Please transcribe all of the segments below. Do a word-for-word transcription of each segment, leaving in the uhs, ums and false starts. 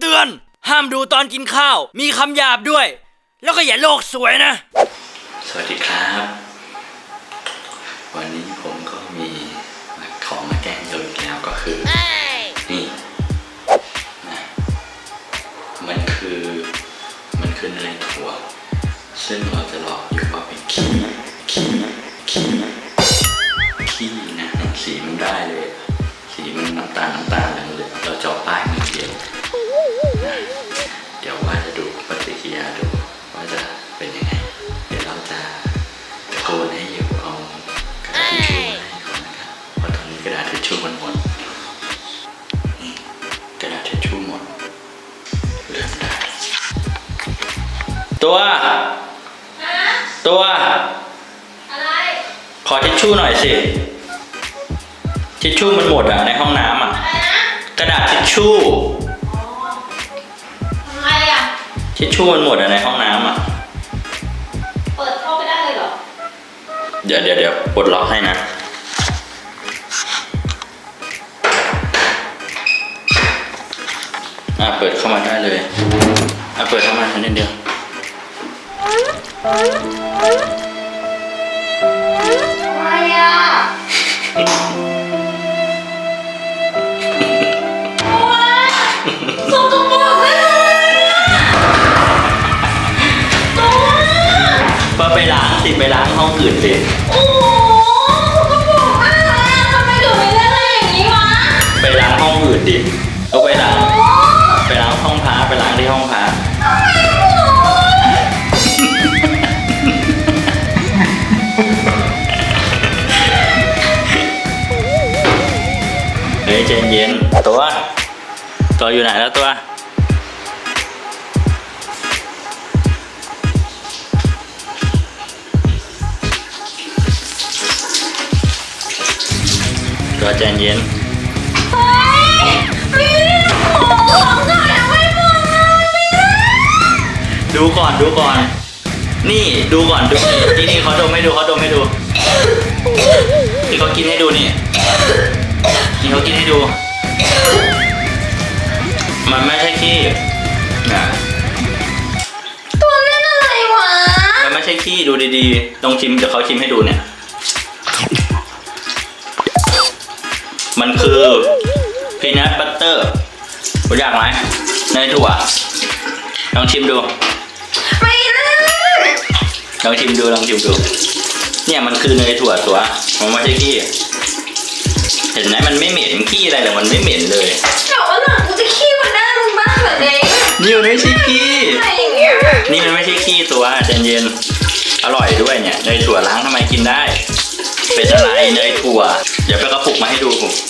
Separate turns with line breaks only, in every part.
เตือนห้ามดูตอนกินข้าวมีคำหยาบด้วยแล้วก็อย่าโลกสวยนะสวัสดีครับวันนี้ผมก็มีของมาแกล้งโยนอีกแล้วก็คือนี่นะมันคือมันคือเนยถั่วซึ่งเราจะหลอกอยู่ว่าเป็นขี้ขี้ขี้ขี้นะสีมันได้เลยสีมันน้ำตาลน้ำตาลเหลืองเหลืองเราเจาะป้ายมือเดียวนะเดี๋ยวว่าจะดูปฏิกิริยาดูว่าจะเป็นยังไงเดี๋ยวเราจะตะโกนให้อยู่เอากระดาษทิชชู่มาให้ก่อนนะครับเพราะตอนนี้กระดาษทิชชู่มันหมดนี่กระดาษทิชชู่หมดเริ่มได้ตัวตัวอะไรขอทิชชู่หน่อยสิทิชชู่มันหมดอ่ะในห้องน้ำอ่ะกระดาษทิชชู่
ทำไมอ่ะ
ทิชชู่มันหมดอ่ะในห้องน้ำอ่ะ
เปิดเข้าไปได้เลยเหรอ
เดี๋ยวเดี๋ยวเดี๋ยวปลดล็อกให้นะอ่ะเปิดเข้ามาได้เลยอ่ะเปิดเข้ามาแค่นิดเดียว
อะไรอ่ะสกปรกเลย
ก็ไปล้างสิไปล้างห้องอื่นสิ
โอ้โหสกปรกมากเลยอ่ะทำไมถึงไม่เล่นอะไรอย่างนี้วะ
ไปล้างห้องอื่นดิก็ไปล้างไปล้างห้องพระไปล้างที่ห้องพระเฮ้ยใจเย็นตัวตัวอยู่ไหนแล้วตัวตัวใจเย็น
เฮ้ยไม่ได้ของก่อนเอาไว้ก่อนไม่ได้
ดูก่อนดูก่อนนี่ดูก่อนดูที่นี่เขาดมให้ดูเขาดมให้ดูที่เขากินให้ดูนี่ที่เขากินให้ดูมันไม่ใช่ขี้นะ
ตัวเล่นอะไรวะ
มันไม่ใช่ขี้ดูดีๆลองชิมเดี๋ยวเขาชิมให้ดูเนี่ยมันคือพีนัทบัตเตอร์รู้จักไหมเนยถั่วลองชิมดู
ไม่ได้
ลองชิมดูลองชิมดูเนี่ยมันคือเนยถั่วตัวมันไม่ใช่ขี้เห็นไหมมันไม่เหม็นขี้อะไรเลยมันไม่เหม็นเลย
แต่ว่าหลังกูจะขี้มันได้มึงบ้างแบบนี้
นี่มันไม่ใช่ขี้นี่มันไม่ใช่ขี้ตัวใจเย็นอร่อยด้วยเนี่ยเนยถั่วล้างทำไมกินได้เป็นอะไรเนยถั่วเดี๋ยวไปกระปุกมาให้ดู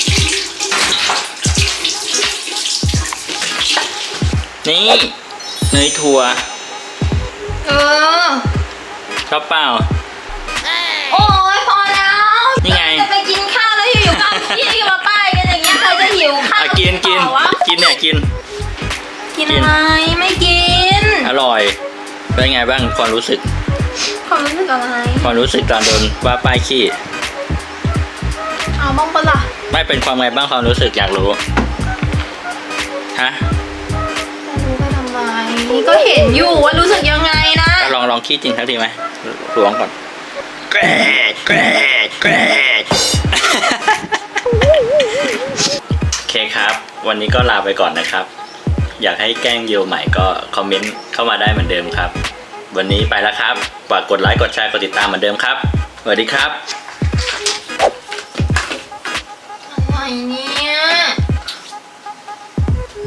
นี่เนยถั่ว
เออ
ชอบเปล่า
โอ้ยพอแล้ว
นี่ไง
จะไปกินข้าวแล้วอยู่ๆก็ขี้มาป้ายกันอย่างเงี้ยใครจะหิวข้าว
กินกินกินเนี่ยกิน
กินอะไรไม่กิน
อร่อยเป็นไงบ้างความรู้สึก
ความรู้สึกอะไร
ความรู้สึกตอนโดนว่าป้ายขี้
เอาบ้างปะล่ะ
ไม่เป็นความไงบ้างความรู้สึกอยากรู้ฮะ
รู้ไปทำไมก็เห็นอยู่ว่ารู้สึกยังไงนะ
ลองลองขี้จริงทักทีไหมล้วงก่อนแกรกแกรกแกรกโอเคครับวันนี้ก็ลาไปก่อนนะครับอยากให้แกล้งโยใหม่ก็คอมเมนต์เข้ามาได้เหมือนเดิมครับวันนี้ไปแล้วครับฝากกดไลค์กดแชร์กดติดตามเหมือนเดิมครับสวัสดีครับ
อะไรเนี่ย